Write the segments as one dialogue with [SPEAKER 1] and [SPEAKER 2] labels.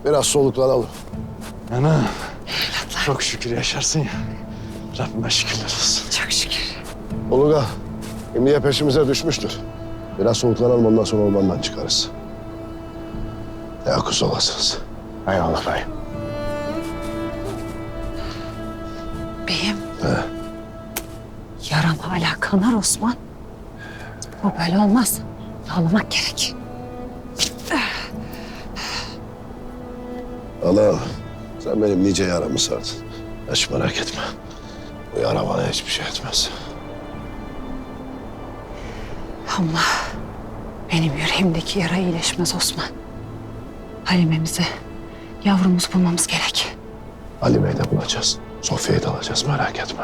[SPEAKER 1] Biraz soluklanalım.
[SPEAKER 2] Ana, çok şükür yaşarsın ya. Rabbime şükürler olsun.
[SPEAKER 3] Çok şükür.
[SPEAKER 1] Uluga, emniye peşimize düşmüştür. Biraz soluklanalım, ondan sonra ormandan çıkarız. Yakuza olasınız.
[SPEAKER 2] Eyvallah bey.
[SPEAKER 3] Beyim.
[SPEAKER 1] He.
[SPEAKER 3] Yaram hala kanar Osman. Bu böyle olmaz. Ağlamak gerek.
[SPEAKER 1] Allah, sen benim nice yaramı sardın. Hiç merak etme. Bu yara bana hiçbir şey etmez.
[SPEAKER 3] Ama benim yüreğimdeki yara iyileşmez Osman. Halime'mizi, yavrumuzu bulmamız gerek.
[SPEAKER 1] Halime'yi de bulacağız. Sofya'yı da alacağız, merak etme.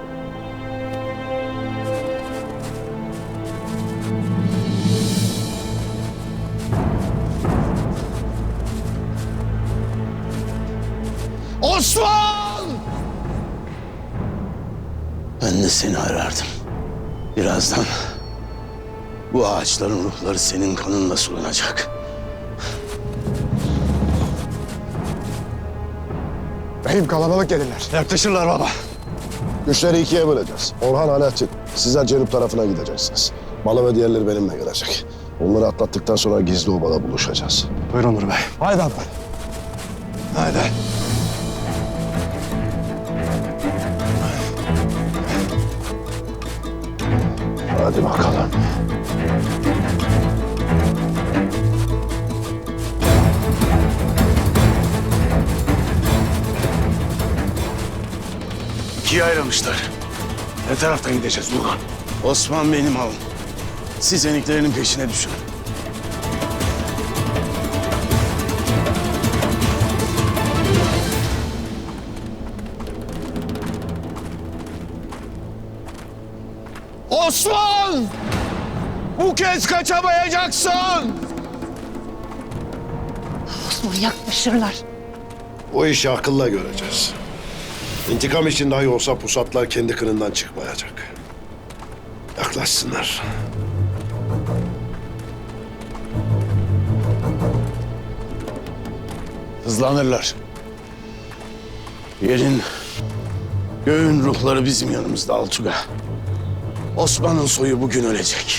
[SPEAKER 4] Osman! Ben de seni arardım. Birazdan bu ağaçların ruhları senin kanınla sulanacak.
[SPEAKER 2] Beyim kalabalık gelirler. Yaklaşırlar baba.
[SPEAKER 1] Güçleri ikiye böleceğiz. Orhan, Alaaddin, sizler Cenub tarafına gideceksiniz. Malı ve diğerleri benimle gelecek. Onları atlattıktan sonra gizli obada buluşacağız.
[SPEAKER 2] Buyurun Nur Bey. Haydi abla. Haydi.
[SPEAKER 1] Hadi bakalım.
[SPEAKER 4] İkiye ayrılmışlar.
[SPEAKER 2] Ne taraftan gideceğiz Nurhan?
[SPEAKER 4] Osman benim avım. Siz eniklerinin peşine düşün. Osman! Bu kez kaçamayacaksın!
[SPEAKER 3] Osman yaklaşırlar.
[SPEAKER 1] O işi akılla göreceğiz. İntikam için dahi olsa pusatlar kendi kınından çıkmayacak. Yaklaşsınlar.
[SPEAKER 4] Hızlanırlar. Yerin, göğün ruhları bizim yanımızda Altuga. Osman'ın soyu bugün ölecek.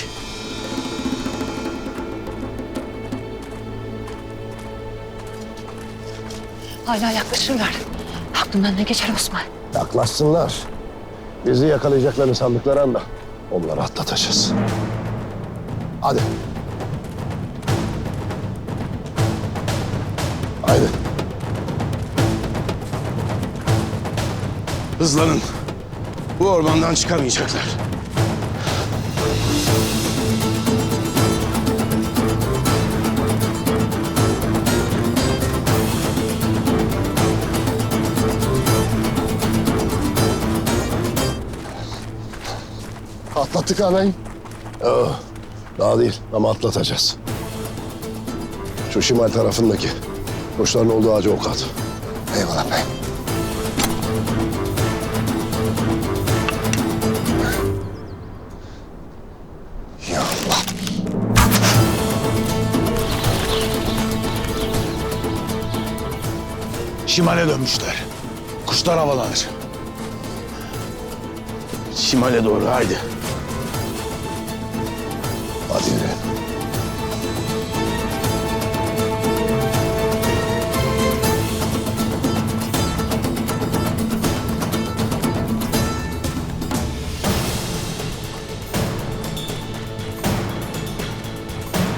[SPEAKER 3] Hala yaklaşırlar. Aklından ne geçer Osman?
[SPEAKER 1] Yaklaşsınlar. Bizi yakalayacaklarını sandıkları anda onları atlatacağız. Hadi. Haydi.
[SPEAKER 4] Hızlanın. Bu ormandan çıkamayacaklar.
[SPEAKER 1] Atlattık ağabeyim. Daha değil ama atlatacağız. Şu şimal tarafındaki kuşların olduğu ağaca ok at. Eyvallah beyim. Ya Allah.
[SPEAKER 4] Şimale dönmüşler. Kuşlar havalanır. Şimale doğru haydi.
[SPEAKER 1] Hadi yürü.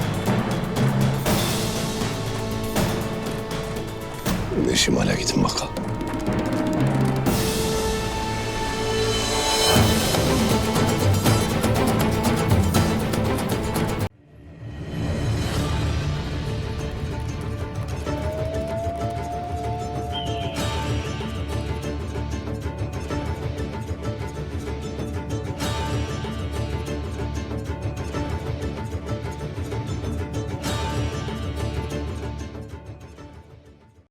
[SPEAKER 1] Şimdi şimale gidin bakalım.